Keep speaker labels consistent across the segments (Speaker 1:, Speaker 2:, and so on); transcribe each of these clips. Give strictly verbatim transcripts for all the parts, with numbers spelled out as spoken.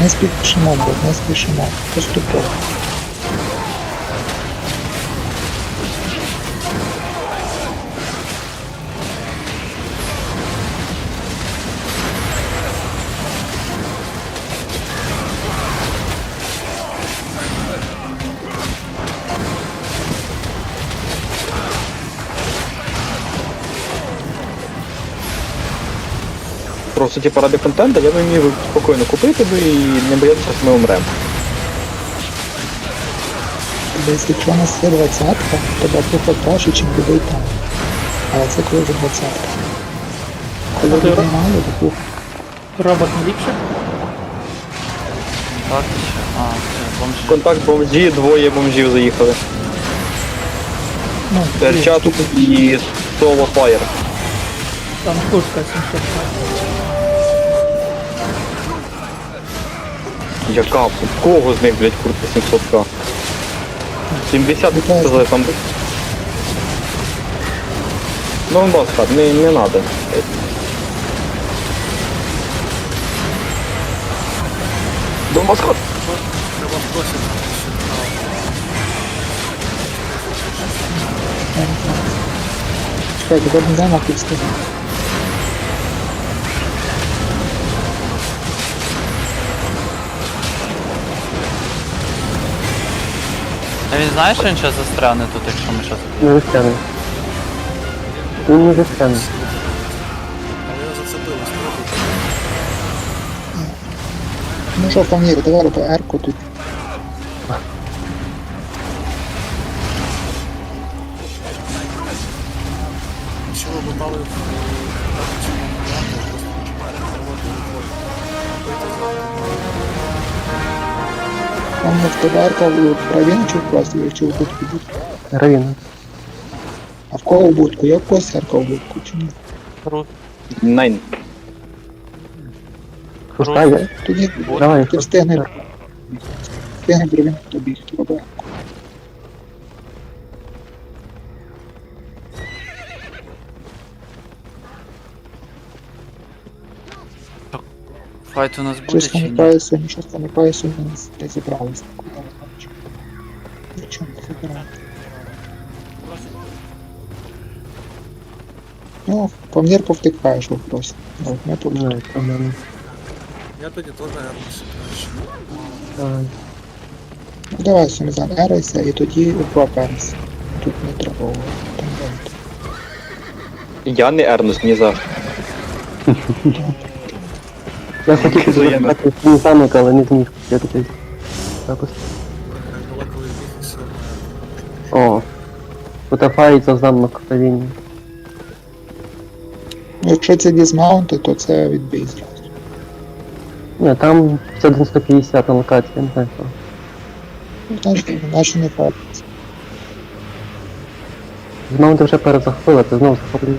Speaker 1: Не спішимо, бо не спішимо. Поступово.
Speaker 2: Просто типу ради контенту я би міг спокійно купити би і не боятися, що ми умремо.
Speaker 1: Десь якщо у нас є двадцятка, то багато краще, ніж буде і там. Але це коли вже двадцятка. Коли
Speaker 3: Ти
Speaker 1: людей
Speaker 3: ро-
Speaker 1: мало, то пух.
Speaker 3: Робот не ліпше?
Speaker 4: Так, ще. А, це бомжі.
Speaker 2: Контакт бомжі, двоє бомжів заїхали.
Speaker 1: Ну,
Speaker 2: Терчат і соло фаєр.
Speaker 3: Там куртка сімсот.
Speaker 2: Яка? У кого з них, блядь, куртка сімсот ка? сімдесят сказали там. Ну, баска, не, не надо. Бомбасход!
Speaker 5: Треба просити.
Speaker 1: Чекай, тепер не дай нахуй сказати.
Speaker 4: А він знає, що він зараз застряне тут, якщо ми зараз...
Speaker 6: Не застряне. Він не застряне.
Speaker 5: Але його зацепили, спробуйте.
Speaker 1: Ну що, Фамір, давай роби ерку тут.
Speaker 5: Якщо ви попали в цю варіанту, просто починайте роботу виходить.
Speaker 1: Там в тебе ерка в правіну чи в класі, чи в будку буде?
Speaker 6: Равіна.
Speaker 1: А в кого в будку? Є в когось ерка в будку чи ні?
Speaker 4: Крут.
Speaker 2: Найн.
Speaker 6: Пускай, я.
Speaker 1: Тоді
Speaker 6: Давай,
Speaker 1: ти встигне. Встигне правіну тобі, хто роби ерку.
Speaker 4: Файт у нас буде
Speaker 1: Щось
Speaker 4: чи ні?
Speaker 1: пам'ятаюся, нічого пам'ятаюся, ми не зібралися. Нічого не забирали. Ну, по мір повтикаєш вопрос. Ну, ми тут.
Speaker 6: Давай, по-моєму.
Speaker 5: Я тоді теж гарніше краще.
Speaker 6: Давай.
Speaker 1: Ну давай, Сумізан, ерайся і тоді проперся. Тут не треба там робити.
Speaker 2: Я не ернусь ні за.
Speaker 6: Я хотів
Speaker 2: Взаємно.
Speaker 6: запитати свій замок, але не зміг почати запис.
Speaker 5: Так далеко відбіг і все одно.
Speaker 6: О. Фотофаїться замок Равіні.
Speaker 1: Ну, якщо це дізмаунти, то це відбій зразу.
Speaker 6: Ні, там все сто п'ятдесят на локації, я не знаю що.
Speaker 1: Ну, значить, наче не фактиться.
Speaker 6: Знову ти вже перезахопила, ти знову захоплюєш.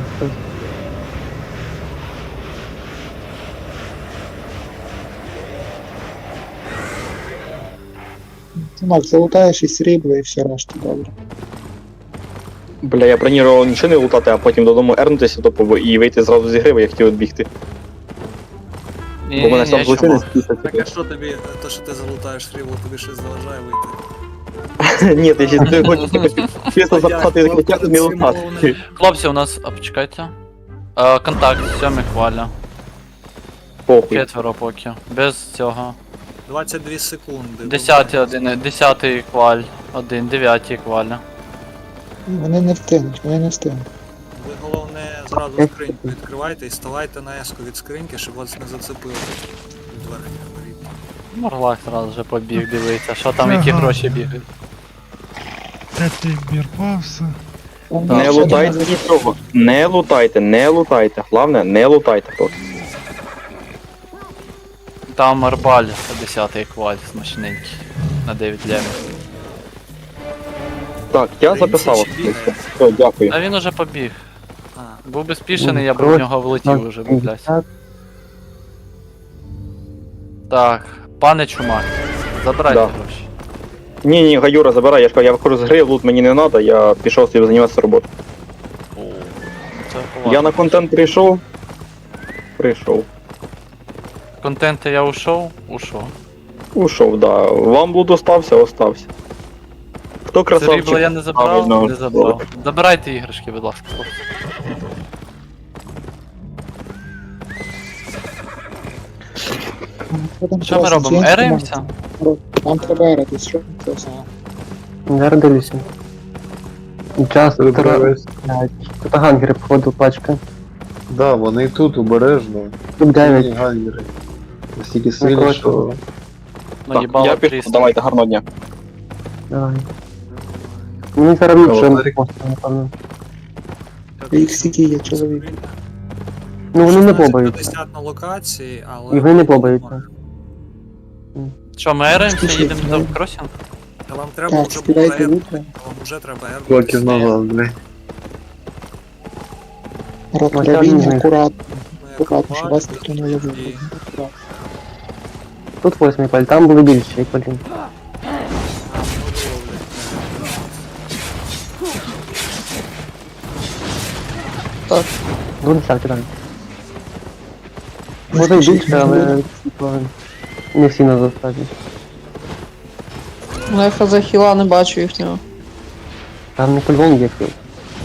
Speaker 1: Чумак, залутаєш і срібло, і все решта добре.
Speaker 2: Бля, я бронірував нічого не лутати, а потім додому ернутися топово і вийти зразу з ігри, бо я хотів відбігти.
Speaker 4: Ні,
Speaker 2: Бо мене
Speaker 4: ні,
Speaker 2: сам
Speaker 4: ні,
Speaker 2: злочинець
Speaker 4: чому?
Speaker 2: після
Speaker 5: Так а що тобі, то що ти залутаєш фрібло, тобі щось заважає вийти?
Speaker 2: Ні, ти ще ти хочеш чисто запхати закриття не лутати.
Speaker 4: Хлопці, у нас... А, почекайте. Е, контакт, сьомий хваля.
Speaker 2: Похуй.
Speaker 4: Четверо поки. Без цього.
Speaker 5: двадцять дві секунди.
Speaker 4: Десятий один, десятий кваль. Один, дев'ятий кваля.
Speaker 1: Вони не встигнуть, вони не встигнуть.
Speaker 5: Ви головне зразу скриньку відкривайте і ставайте на еску від скриньки, щоб вас не зацепило від верхніх воріт.
Speaker 4: Морлак зразу вже побіг дивиться, що там, які гроші бігають.
Speaker 7: П'ятий бірпався.
Speaker 1: Там
Speaker 2: Не
Speaker 1: ще
Speaker 2: лутайте
Speaker 1: один-
Speaker 2: нічого. Не лутайте, не лутайте. Головне, не лутайте поки.
Speaker 4: Там арбаль, десятий кваль, смачненький. На дев'ять лямів.
Speaker 2: Так, я записав. Все, дякую.
Speaker 4: А він уже побіг.
Speaker 5: А,
Speaker 4: Був би спішений, я б в нього влетів уже, блядь. Так, пане Чумак, забирайте
Speaker 2: Да.
Speaker 4: гроші.
Speaker 2: Ні, ні, Гаюра, забирай, я ж кажу, я виходжу з гри, лут мені не треба, я пішов собі займатися роботою.
Speaker 4: О, це
Speaker 2: Я
Speaker 4: поважно.
Speaker 2: на контент прийшов. Прийшов.
Speaker 4: Контента я ушов? Ушов.
Speaker 2: Ушов, да. Вам блуд остався, остався. Хто красавчик?
Speaker 4: Срібло я не забрав,
Speaker 2: Правильно.
Speaker 4: не забрав. Забирайте іграшки, будь ласка. Що ми робимо? Ераємося?
Speaker 1: Нам треба ератись, що це все?
Speaker 6: Я радуюся. Час втора... Тут гангери, походу, пачка.
Speaker 8: Да, вони тут обережно.
Speaker 6: Тут дев'ять.
Speaker 8: Сильні гангери. Настільки сильні,
Speaker 6: коротше.
Speaker 8: що...
Speaker 4: Ну,
Speaker 2: Так,
Speaker 4: їбало
Speaker 2: я пішов,
Speaker 4: трісно.
Speaker 2: давайте, гарного дня.
Speaker 6: Давай. Мені зараз ліпше,
Speaker 8: Кавалерик.
Speaker 6: напевно.
Speaker 1: Їх стільки є чоловік.
Speaker 6: Ну вони не
Speaker 5: шістнадцять
Speaker 6: побаються.
Speaker 5: п'ятдесят на локації, але...
Speaker 6: І ви не побаються.
Speaker 4: Що, ми ераємося,
Speaker 1: Скажіть,
Speaker 4: їдемо
Speaker 1: ну,
Speaker 4: за кросінг?
Speaker 5: Та вам треба
Speaker 1: Так,
Speaker 5: вже було
Speaker 1: співайте
Speaker 5: ер...
Speaker 1: лука.
Speaker 5: Вам вже треба ер...
Speaker 8: Блоків на глаз, блядь.
Speaker 1: Ротравіння, акуратно,
Speaker 5: Ми
Speaker 1: акуратно, щоб вас
Speaker 5: акробати,
Speaker 1: ніхто не уявив.
Speaker 5: і-
Speaker 1: Акуратно.
Speaker 6: Тут восьмий паль, там були більші палі.
Speaker 5: А, ну, ловлять.
Speaker 6: Ну, десятки, так. Може й більше, але типу, не всі на достатньо.
Speaker 3: Ну я хз хіла не бачу їхнього.
Speaker 6: Там не по-любому є хіл.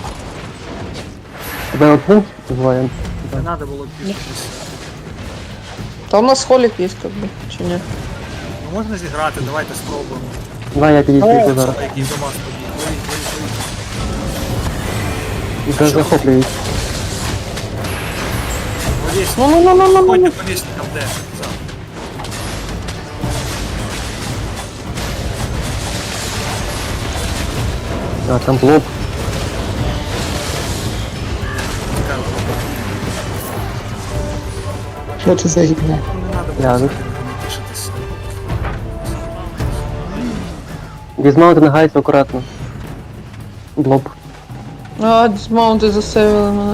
Speaker 6: Тебе один двоє.
Speaker 5: Не треба було пізнатися.
Speaker 3: Там у нас холік є, как би, чи ні?
Speaker 5: Ну можна зіграти, давайте спробуємо.
Speaker 6: Давай я підійду зараз.
Speaker 5: Який до вас побіг. Ой, ой, ой.
Speaker 6: І вже захоплюють.
Speaker 5: Повісь,
Speaker 3: Ну ну ну ну ну ну.
Speaker 5: ходьте по вісникам, де? За.
Speaker 6: А там блок.
Speaker 5: Цікаво.
Speaker 1: Що це за гівня?
Speaker 5: Ну, не треба було
Speaker 6: Я,
Speaker 5: взагалі не тішитися.
Speaker 6: Дізмаунти на гайці акуратно. Блоб.
Speaker 3: А, дисмаунти засейвили мене.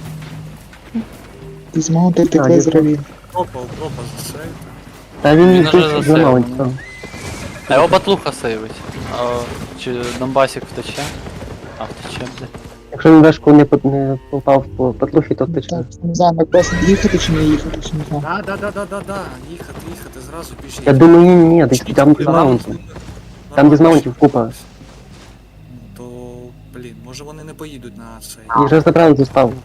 Speaker 1: Дізмаунти
Speaker 6: А,
Speaker 1: втекли з
Speaker 6: дізмаунт.
Speaker 1: равін.
Speaker 5: Пропав, пропав за це.
Speaker 6: Та він
Speaker 4: Він уже
Speaker 6: тут
Speaker 4: засейвив,
Speaker 6: зламають
Speaker 4: да.
Speaker 6: там.
Speaker 4: А його батлуха сейвить. А, чи Донбасік втече? А, втече, бля.
Speaker 6: Якщо він вешку не, по- не попав по патлухі, то втече.
Speaker 1: Так, не знаю, на кросинг їхати чи не їхати, чи не знаю.
Speaker 5: Да, да, да, да, да, да. Їхати, їхати, зразу біжіть.
Speaker 6: Я думаю, ні, ні,
Speaker 5: Біжіть,
Speaker 6: там
Speaker 5: куди
Speaker 6: дізмаунти.
Speaker 5: вам?
Speaker 6: Там
Speaker 5: Нормально.
Speaker 6: дізмаунтів купа.
Speaker 5: Ну, то, блін, може вони не поїдуть на цей.
Speaker 6: І вже забрали заставу.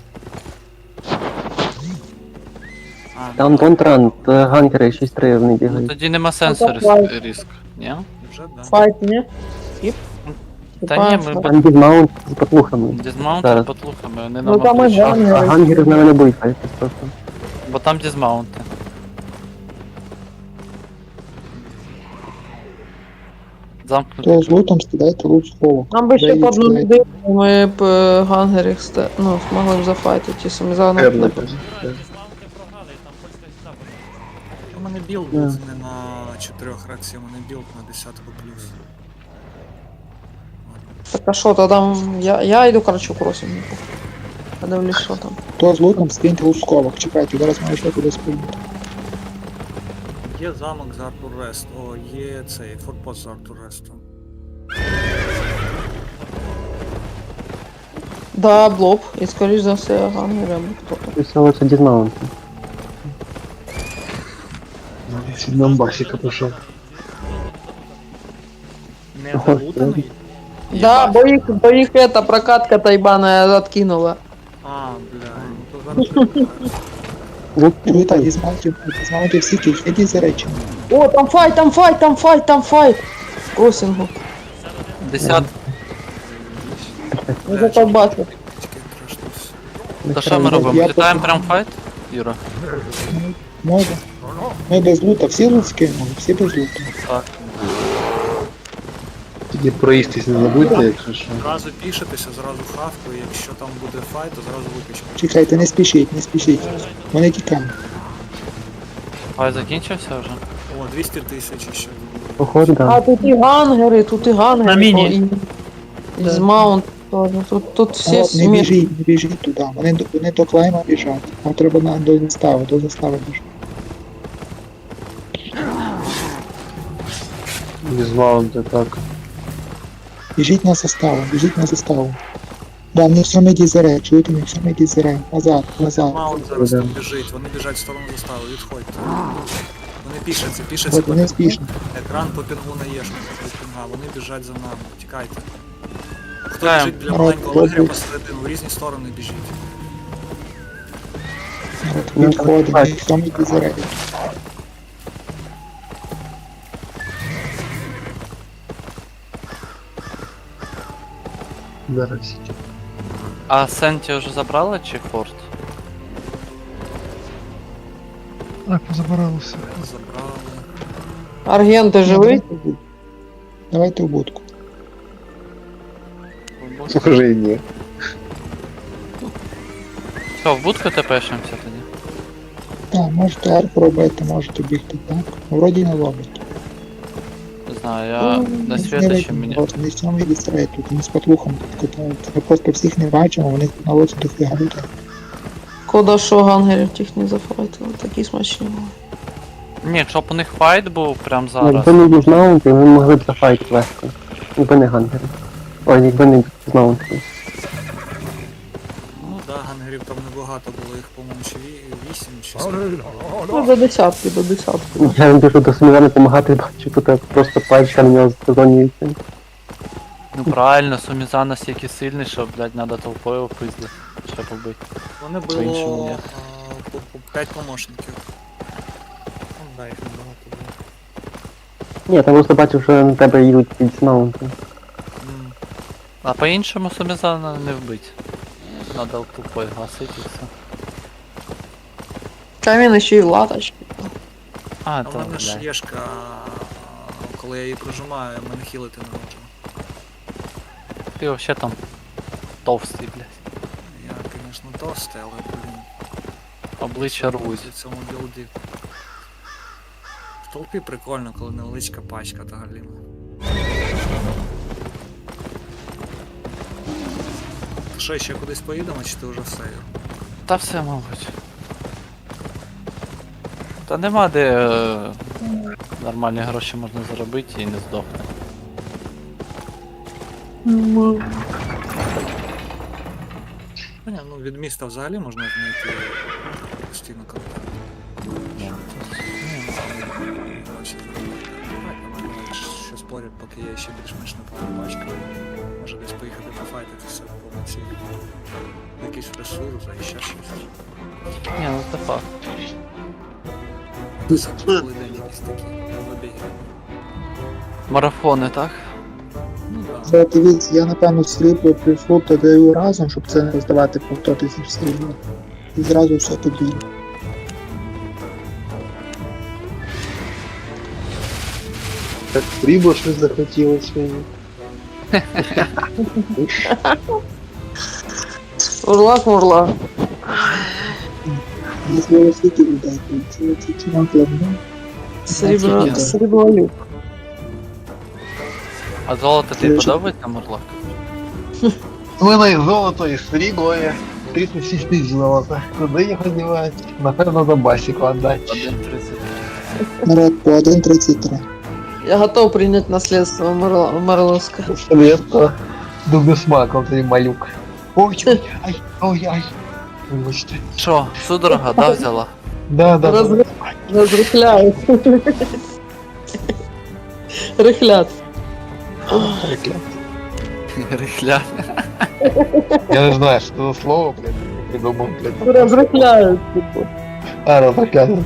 Speaker 5: А,
Speaker 6: Там Донтран, та гангери шість три вони
Speaker 4: Ну
Speaker 6: бігають.
Speaker 4: тоді нема сенсу
Speaker 3: Ну,
Speaker 4: рис-
Speaker 3: давай.
Speaker 4: риск. Ні?
Speaker 5: вже, да.
Speaker 3: Файт, ні? Тип?
Speaker 4: Та ні, ми
Speaker 6: Там дізмаунт з патлухами.
Speaker 4: дизмаунти
Speaker 6: Зараз.
Speaker 4: потлухами, вони
Speaker 3: Ну
Speaker 4: нам
Speaker 3: там і
Speaker 4: обличчя.
Speaker 6: А
Speaker 3: гангери.
Speaker 6: гангери з нами не будуть файтись просто.
Speaker 4: Бо там дизмаунти.
Speaker 1: То
Speaker 4: Замкнути.
Speaker 1: з лутом скидайте лут з холу.
Speaker 3: Нам би ще
Speaker 1: Дають,
Speaker 3: по одну
Speaker 1: дають.
Speaker 3: людину, ми б е, гангерів сте... ну, змогли б зафайтити, ті самі зараз.
Speaker 8: Ерника.
Speaker 5: У мене білд
Speaker 6: Да.
Speaker 5: був не на чотирьох рацій, у мене білд на десятку плюс.
Speaker 3: Так а що, то там, я, я йду, короче, кросінг. Подивлюсь, що там.
Speaker 1: То з лутом скиньте лут з сховок. Чекайте, зараз маю ще кудись поїхати.
Speaker 5: Є замок з Артур Рест, о, є цей форпост з Артур Рестом.
Speaker 3: Да, блоб, і скоріш за все гангери або хто-то.
Speaker 6: І всього це дізмаунти.
Speaker 8: Донбасіка пішов.
Speaker 5: Не
Speaker 6: Ага,
Speaker 5: залутаний?
Speaker 3: Да, бо їх, бо їх эта прокатка тайбана откинула.
Speaker 5: А, бля, ну то зараз ще
Speaker 6: Ну,
Speaker 1: Чуєте, дізмаунтів, дізмаунтів всі ідіть за речі.
Speaker 3: О, там файт, там файт, там файт, там файт! В кросінгу.
Speaker 4: Десят.
Speaker 3: Я зато бачу.
Speaker 5: тільки трошки.
Speaker 4: То що ми робимо?
Speaker 1: Я
Speaker 4: Літаємо
Speaker 1: просто-
Speaker 4: прям файт? Юра?
Speaker 1: Може. Ми без лута, всі лут скинули, всі без лута.
Speaker 4: Так.
Speaker 8: Тоді проїстись не забудьте, якщо що.
Speaker 5: Зразу пішитися, зразу хавку, і якщо там буде файт, то зразу випічемо.
Speaker 1: Чекайте, не спішіть, не спішіть. Вони тікають.
Speaker 4: Файт закінчився вже?
Speaker 5: О, двісті тисяч ще.
Speaker 6: походу,
Speaker 3: А
Speaker 6: да.
Speaker 3: тут і гангери, тут і гангери.
Speaker 4: На міні.
Speaker 3: І, і з маунт теж. Тут, тут всі
Speaker 1: О, не
Speaker 3: смішні.
Speaker 1: біжіть, не біжіть туди. Вони, до- вони до клейма біжать. Вам треба на, до застави, до застави біжати.
Speaker 8: Дізмаунти, так.
Speaker 1: Біжіть на заставу, біжіть на заставу. Да, не все меді зере, чуєте, не все меді зере. Назад, назад.
Speaker 5: Маунт зараз
Speaker 6: Да.
Speaker 5: там біжить, вони біжать в сторону застави, відходьте. Вони пішаться, пішаться
Speaker 1: От
Speaker 5: по
Speaker 1: вони
Speaker 5: пінгу.
Speaker 1: спішні.
Speaker 5: Екран по пінгу на єшку, по пінга. Вони біжать за нами. Тікайте. Хто
Speaker 4: Тікаємо.
Speaker 5: біжить біля
Speaker 1: Народ,
Speaker 5: маленького лагеря
Speaker 1: хлопці.
Speaker 5: посередину, в різні сторони біжіть.
Speaker 1: От відходимо, ніхто не дізерає.
Speaker 8: Зараз.
Speaker 4: А Сенті вже забрали чи Форт?
Speaker 7: Так, позабиралися.
Speaker 5: Забрали.
Speaker 3: Арген, ти живий?
Speaker 1: Давайте в будку. Давайте в будку.
Speaker 8: Уже і ні.
Speaker 4: Що, в будку тепешимося тоді?
Speaker 1: Так, можете арку робити, можете бігти так. Вроді не ловить.
Speaker 4: Не знаю, я на світочі мені.
Speaker 1: Вони самі дістрають тут, вони з потлухом тут катаються. Ми просто всіх не бачимо, вони на лоці дофіга людей.
Speaker 3: Кода що гангерів тих не зафайтили, такі смачні були.
Speaker 4: Ні, щоб у них файт був прям зараз.
Speaker 6: Якби не дізнаунти, ми могли б зафайт легко. Якби не гангери. Ой, якби не дізнаунти.
Speaker 5: Ну да, гангерів там небагато було, їх, по-моєму, чи ві- вісім, чи скільки.
Speaker 3: Ну, до десятки, до десятки.
Speaker 6: Я не біжу до Суміра допомагати, бачу, тут просто пальчика на нього зазонюється.
Speaker 4: Ну правильно, Суміза настільки сильний, що, блядь, надо толпою пизди, щоб побити.
Speaker 5: Вони
Speaker 4: По-іншому
Speaker 5: було
Speaker 4: ні.
Speaker 5: а, по, по п'ять помощників. Ну да, їх небагато було.
Speaker 6: Ні, там просто бачив, що на тебе їдуть дізнаунти.
Speaker 5: М.
Speaker 4: А по-іншому Суміза на- не вбить. Надо толпою гасити і все.
Speaker 3: Камін ще й латочки.
Speaker 4: А,
Speaker 5: А в
Speaker 4: то,
Speaker 5: мене ж
Speaker 4: блядь.
Speaker 5: єшка, коли я її прожимаю, мене хілити не можу.
Speaker 4: Ти вообще там товстий, блядь.
Speaker 5: Я, звісно, товстий, але, блін,
Speaker 4: Обличчя рвуть.
Speaker 5: в цьому білді. В толпі прикольно, коли невеличка пачка та галіна. Що, ще кудись поїдемо, чи ти вже все? Юр?
Speaker 4: Та все, мабуть. Та нема де е, нормальні гроші можна заробити і не здохне.
Speaker 5: Ну, ні, ну від міста взагалі можна знайти постійно контакт.
Speaker 4: Ні.
Speaker 5: Гроші заробити. Давай, давай, що спорять, поки я ще більш-менш не повна пачка. Може десь поїхати пофайтитися по ці якийсь ресурс, а ще щось.
Speaker 4: Ні, ну це факт.
Speaker 5: Коли день якісь такі вибіги.
Speaker 4: Марафони, так?
Speaker 5: Ну так.
Speaker 1: Це дивіться, я напевно срібло плюс лута даю разом, щоб це не роздавати по сто тисяч срібла. І зразу все подвійно.
Speaker 8: Так срібло щось захотілося мені.
Speaker 3: Урлак, мурлак.
Speaker 1: Якщо ви скільки людей, це тільки вам плавно.
Speaker 3: Срібло,
Speaker 1: Офігенно.
Speaker 3: срібло люк.
Speaker 4: А золото тобі
Speaker 1: Дуже.
Speaker 4: подобається, Мурлак?
Speaker 8: У мене і золото, і срібло є. тридцять шість тисяч золота. Куди його дівати? Напевно, до басіку віддати.
Speaker 4: один тридцять.
Speaker 1: Народ по один тридцять три.
Speaker 3: Я готов принять наследство Марла- Марловска.
Speaker 8: Швидко. Дуже смаком цей малюк. Ой, ой, ай, ой, ай. Вибачте.
Speaker 4: Що, судорога, да, взяла?
Speaker 8: Да, да, да.
Speaker 3: Розри- Розрихляють. Рихлят.
Speaker 4: Рихля.
Speaker 8: Я не знаю, що це за слово, блядь, придумав, блядь.
Speaker 3: Розрихляють. типу.
Speaker 8: А, розрахляю.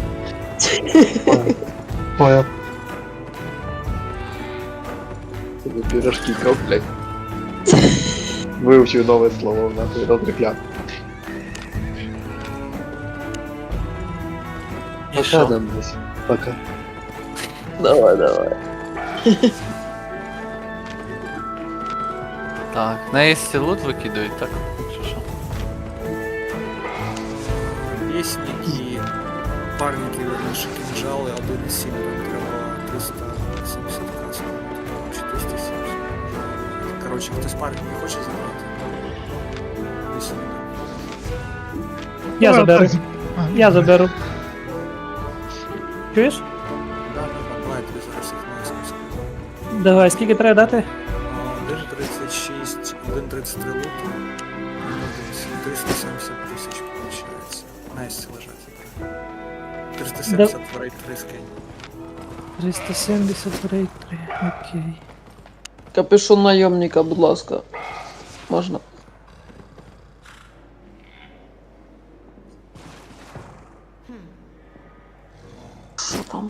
Speaker 8: Понял. Пирожки, коп, блядь. Вивчив нове слово, нахуй, розрахляти.
Speaker 4: І що?
Speaker 8: там десь. Пока.
Speaker 3: Давай, давай.
Speaker 4: Так, на єсі лут викидають, так? Що що?
Speaker 5: Пісні і парники, верніше, кінжали, один із сім, там треба триста сімдесят касок, чи триста сімдесят. Коротше, хтось парник не хоче забрати? Вісім.
Speaker 9: Я заберу.
Speaker 7: А,
Speaker 9: Я
Speaker 7: добре.
Speaker 9: заберу. Чуєш?
Speaker 5: Да, да, да, давай я тобі зараз їх на списку.
Speaker 9: Давай, скільки треба дати?
Speaker 5: один тридцять шість, один тридцять три луту, триста сімдесят тисяч, виходить. На есі лежать. триста сімдесят в рейд три скинь.
Speaker 9: триста сімдесят в рейд три. Окей.
Speaker 3: Капюшон найомника, будь ласка. Можна. Що там?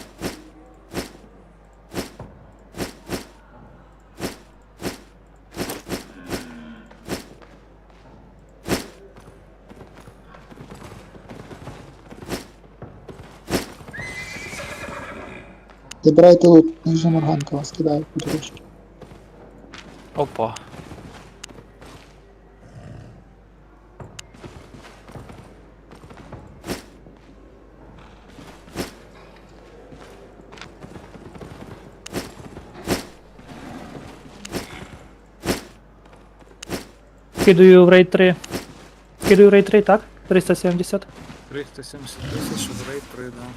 Speaker 1: Забирайте лут, ніжа морганка вас кидає по дорожці.
Speaker 4: Опа.
Speaker 9: Кидаю в рейд три. Кидаю в рейд три, так? триста сімдесят.
Speaker 5: триста сімдесят тисяч в рейд три, да.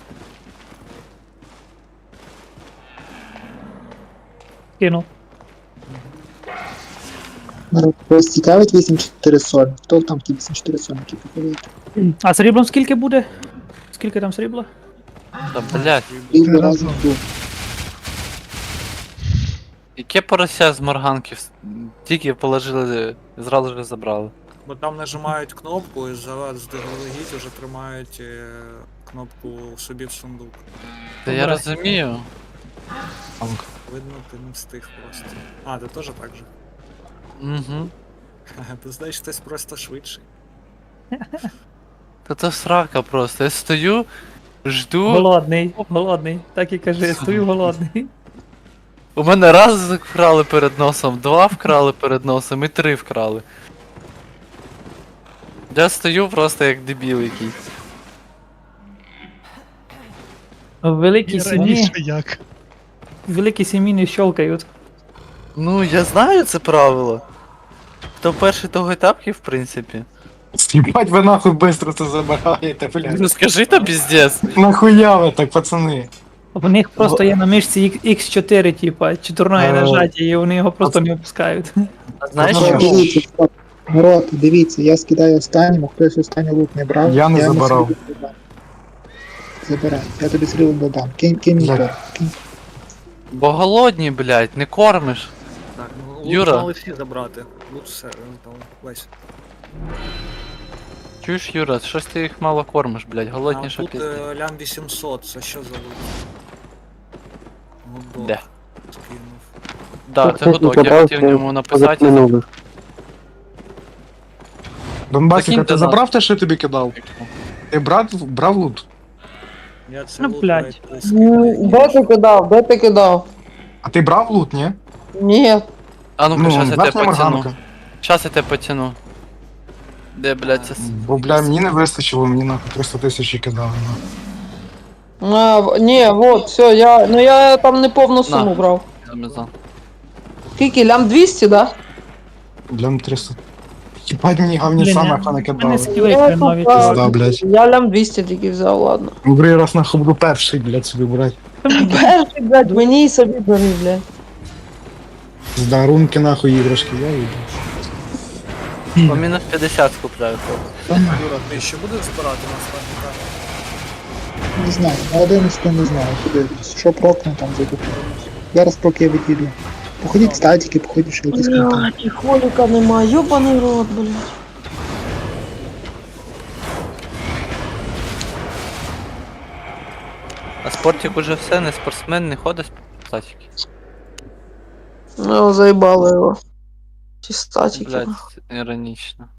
Speaker 9: Кинув.
Speaker 1: Вас цікавить вісім чотири сорок. Хто там ті вісім чотири сорок, які походять?
Speaker 9: А сріблом скільки буде? Скільки там срібла?
Speaker 4: Та блядь,
Speaker 1: Рівно
Speaker 7: Це
Speaker 1: разом
Speaker 7: разом.
Speaker 1: тут.
Speaker 4: яке порося з морганки вс- тільки положили, зразу ж забрали.
Speaker 5: Бо там нажимають кнопку і зараз здалегідь вже тримають е, кнопку собі в сундук.
Speaker 4: Та я розумію.
Speaker 5: Видно, ти не встиг просто. А, ти теж так же.
Speaker 4: Угу.
Speaker 5: Ти знаєш, хтось просто швидший.
Speaker 4: Та це срака просто. Я стою, жду.
Speaker 9: Голодний, голодний. Так і кажи, стою голодний.
Speaker 4: У мене раз вкрали перед носом, два вкрали перед носом і три вкрали. Я стою просто як дебіл якийсь.
Speaker 9: В великій
Speaker 7: І
Speaker 9: сім'ї,
Speaker 7: раніше як.
Speaker 9: в великій сім'ї не щелкають.
Speaker 4: Ну, я знаю це правило. Хто перший, того й тапки, в принципі.
Speaker 8: Ебать, вы нахуй быстро це забираєте, блядь.
Speaker 4: Ну скажи то піздець.
Speaker 8: Нахуя ви так, пацани?
Speaker 9: В них просто є на мишці ікс чотири, типа, чотирне
Speaker 8: А,
Speaker 9: нажаття, і вони його просто не опускають.
Speaker 4: А знаєш
Speaker 8: Ну,
Speaker 4: що?
Speaker 1: Дивіться, стоп. Народ, дивіться, я скидаю останньому, хтось останній лут не брав.
Speaker 8: Я не
Speaker 1: йому
Speaker 8: забирав.
Speaker 1: срібло додам. Забирай, я тобі срібло додам. Кинь, кинь мій
Speaker 8: Блядь.
Speaker 1: торг, кинь.
Speaker 4: Бо голодні, блядь, не кормиш.
Speaker 5: Так, ну лут
Speaker 4: Юра.
Speaker 5: мали всі забрати. Лут все, ну, там весь.
Speaker 4: Чуєш, Юра, щось ти їх мало кормиш, блядь,
Speaker 5: А
Speaker 4: голодніше
Speaker 5: тут
Speaker 4: пізді.
Speaker 5: е, лям вісімсот, це що за лут? Гудок.
Speaker 4: Де?
Speaker 5: Скинув.
Speaker 4: Да, це гудок, я хотів в ньому написати.
Speaker 6: Минулих.
Speaker 8: Донбасик, а
Speaker 4: Закинь
Speaker 8: ти
Speaker 4: до
Speaker 8: забрав
Speaker 4: нас.
Speaker 8: те, що я тобі кидав? Ти брав, брав лут?
Speaker 5: Я це
Speaker 9: Ну,
Speaker 5: лут
Speaker 9: блядь.
Speaker 5: навіть не скинув.
Speaker 3: Де ти кидав? Де ти кидав?
Speaker 8: А ти брав лут, ні?
Speaker 3: Ні.
Speaker 4: А ну-ка, щас я тебе
Speaker 8: верхня
Speaker 4: потяну.
Speaker 8: морганка.
Speaker 4: Щас я тебе потяну. Де, блядь, це... с-
Speaker 8: Бо, бля, мені не вистачило, мені нахуй триста тисяч кидали. нахуй.
Speaker 3: А, в- ні, вот, все, я. Ну я там не повну суму
Speaker 4: На.
Speaker 3: брав.
Speaker 4: Амазон.
Speaker 3: Скільки? Лям двісті, да?
Speaker 8: Бля, триста. Єбать, мені гавні
Speaker 9: Блін,
Speaker 8: саме
Speaker 9: я-
Speaker 8: хана
Speaker 9: У мене
Speaker 8: кидали.
Speaker 9: скіли
Speaker 3: Я
Speaker 9: хренові.
Speaker 3: тупа.
Speaker 8: Пизда, блядь.
Speaker 3: Я лям двісті тільки взяв, ладно.
Speaker 8: Другий раз нахуй буду перший, блядь, собі брати.
Speaker 3: Перший, блядь, мені і собі бери, блядь.
Speaker 8: З рунки нахуй іграшки, я їду.
Speaker 4: По мінус п'ятдесят купляю.
Speaker 5: Юра, ти ще будеш збирати нас так?
Speaker 1: Не знаю, на одинадцяту не знаю, подивлюсь. Що прокне там зайду. Зараз поки я відійду. Походіть статики, походіть ще якісь контент.
Speaker 3: Блядь, і холіка нема, йобаний рот, блядь.
Speaker 4: А спортик уже все, не спортсмен, не ходить статики.
Speaker 3: Ну, заїбало його. Ті статики.
Speaker 4: Блядь, іронічно.